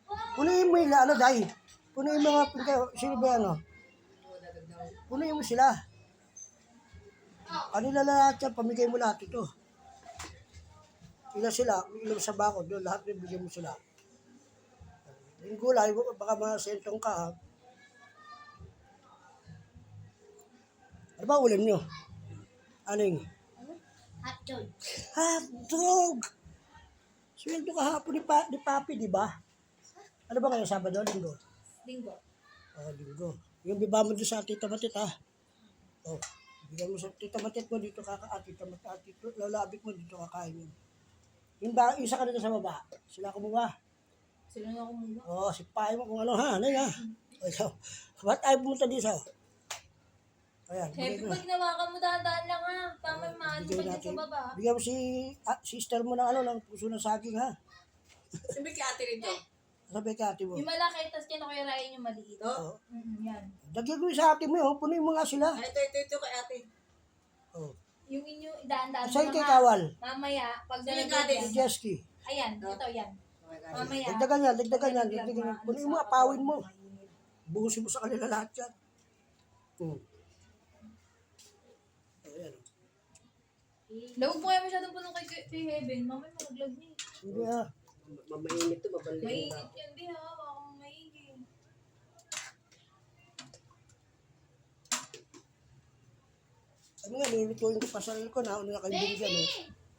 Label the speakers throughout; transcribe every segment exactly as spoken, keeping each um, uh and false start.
Speaker 1: Punuin mo yung ano, dahil. Punuin mo nga, pinka, sino ba ano? Punuin mo sila. Kanila lahat yan, pamigay mo lahat ito. Ilan sila, ilan sa bako, doon lahat yung bigyan mo sila. Yung gulay, baka masentong ka, ha? Ano ba ulam nyo? Aning?
Speaker 2: Hotdog.
Speaker 1: Hotdog! Sweldo kahapon ni, pa, ni Papi, di ba? Ano ba kayo, Sabado, Linggo?
Speaker 2: Linggo.
Speaker 1: Oh, Linggo. Yung biba mo doon sa Tita Matit, ha? Oh, bigyan mo sa Tita Matit mo, dito kaka, ah, Tita Matit, ah, dito, lalabik mo, dito kakain mo. Yung ba, isa ka dito sa baba, sila kumuha.
Speaker 2: Sila na kumuha.
Speaker 1: Oh, si Pai mo kung ano, ha? Ano ha? O, ikaw, ba't tayo pumunta dito? Ayan, bigay
Speaker 2: Happy,
Speaker 1: ko.
Speaker 2: pag nawakan mo dahan-dahan lang ha. Tama yung maano
Speaker 1: Bigyan
Speaker 2: pa
Speaker 1: natin.
Speaker 2: sa baba.
Speaker 1: Bigyan mo si ah, sister mo ng ano, ng puso ng saging, ha?
Speaker 3: Sabi kay ate rin to.
Speaker 1: Sabi ka ate mo.
Speaker 2: Yung malaki, tapos kinakuyarayan yung maliit.
Speaker 1: Oo.
Speaker 2: Mm, yan.
Speaker 1: Dagyan ko yung sa ate mo, oh. Punuin mo nga sila.
Speaker 3: Ah, ito, ito, ito kay ate.
Speaker 1: Oh.
Speaker 2: Yung inyo, dahan-dahan
Speaker 1: Sa'yo
Speaker 2: mo
Speaker 1: kay
Speaker 2: lang, ha.
Speaker 1: Kawal.
Speaker 2: Mamaya, pag
Speaker 3: Sa'yo,
Speaker 2: nalagyan
Speaker 3: Gadis.
Speaker 2: yan.
Speaker 1: Si Jesky.
Speaker 2: Ayan, ito yan. Mamaya.
Speaker 1: Dagdagan yan, dagdagan yan.
Speaker 2: Dagdag
Speaker 1: Dagdagan yan.
Speaker 2: ma-
Speaker 1: Punuin
Speaker 2: ano
Speaker 1: mo,
Speaker 2: sa
Speaker 1: apawin mo.
Speaker 2: kapatid, mainit.
Speaker 1: Buhusin mo sa kanila lahat yan. Hmm. Ayan.
Speaker 2: Lawag mo kaya masyadong punong kay, kay Heaven. Mamaya malaglag niya. eh.
Speaker 1: Hindi ha.
Speaker 3: Mamainit to, babalik
Speaker 2: Mainit
Speaker 3: na.
Speaker 2: yan, di ha. Baka maigi.
Speaker 1: Ano nga, lulutuin ko pa sarili ko. Nauna na kayo binigyan, oh.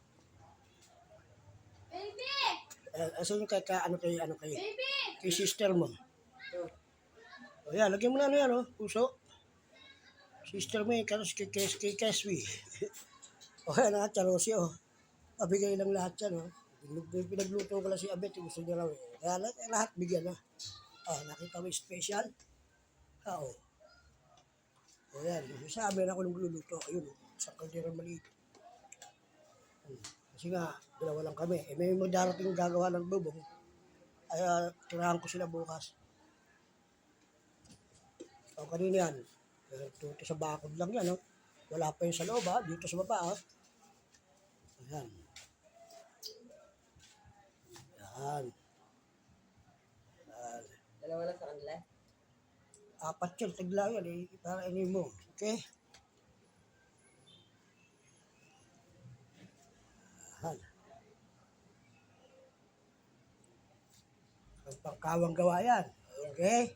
Speaker 2: Baby!
Speaker 1: Eh, asan yung kay, ka, ano kay, ano kay,
Speaker 2: Baby!
Speaker 1: kay sister mo? O yan, lagyan mo na ano yan, oh. Puso. Sister mo yung karos kay, kay, kay Keswi. O yan, ha, Charosi, oh. Pabigay lang lahat yan, oh. Pinag- Pinagluto ko lang si Abet, yung gusto niya raw, eh. Kaya lahat, lahat bigyan, ha. Ah, nakita mo yung special? Ah, oh. O yan, sabi na ako nung luluto. Ayun, oh, isang kaldero maliit. Hmm. Kasi nga, dalawa lang kami. Eh, may magdarating gagawa ng bubong. Ay, uh, tirahan ko sila bukas. O, kanina yan. Ito sa bakod lang yan, oh. Wala pa yung sa loob, ha. Dito sa baba, ha. Ayan. Yan. Yan.
Speaker 3: Dalawa lang sa kanila.
Speaker 1: Apat yun, tagla yan, eh. Para ini mo. Okay? Yan. Ang pangkawang gawa yan. Okay?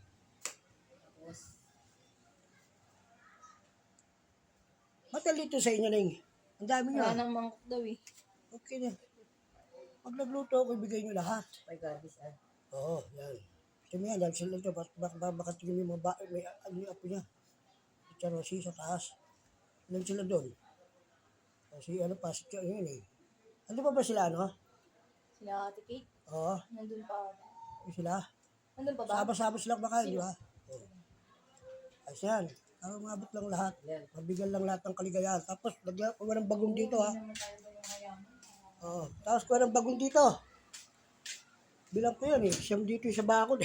Speaker 1: Matalito sa inyo, Ning. Ang dami nyo.
Speaker 2: Wala nang mangkok daw eh.
Speaker 1: Okay na. Pag nagluto ako, ibigay nyo lahat.
Speaker 3: My God, this ah.
Speaker 1: Oo, yan. Ito mo yan, dahil sila ito, bak bak bak baka tingin mo ba, may ano yung apo niya. Si Charosi sa taas. Ilan sila doon? Kasi ano pa, si Charosi yun eh. Ano pa ba sila, ano?
Speaker 2: Sila Ate Kate.
Speaker 1: Oo,
Speaker 2: Nandun pa.
Speaker 1: yung sila.
Speaker 2: Nandun pa ba?
Speaker 1: Saba-saba sila kumakain, di ba? Oo. Ayos yan. Para umabot lang lahat. Mabigyan lang lahat ng kaligayahan. Tapos, lagyan ko ng bagong dito, ha.
Speaker 2: Hindi naman tayo ba yung mayaman?
Speaker 1: Oo. Tapos, ko ng bagong dito. Bilang ko yun, eh. Siyam dito sa bakod.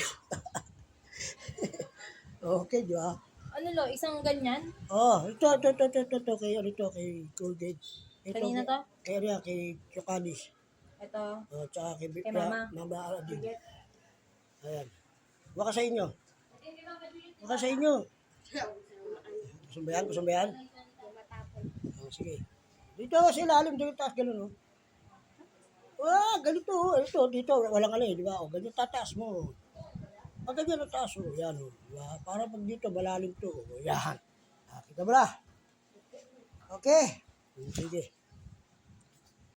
Speaker 1: Okay, di ba?
Speaker 2: Ano lo, isang ganyan?
Speaker 1: Oh, ito, ito, ito, ito, ito, ito, kay, ano ito, kay Colgate. Ito,
Speaker 2: Kanina to?
Speaker 1: Kay, kay, kay Chocanis.
Speaker 2: Ito.
Speaker 1: Oh, tsaka kay,
Speaker 2: Kay Mama.
Speaker 1: Mama Aladin. Ayan. Baka sa inyo. Baka sa inyo. Gusto ba yan? Gusto ba yan? Oh, sige. Dito, sa ilalim, dito, taas, gano'n, oh. Wah, ganito, oh. Ito, dito, walang ano, eh, di ba? Oh, ganito, tataas mo. Pag ganyan ang taas, oh, yan, oh. Diba? Para pag dito, malalim to, oh, yan. Ah, kita mo na. Okay? Sige.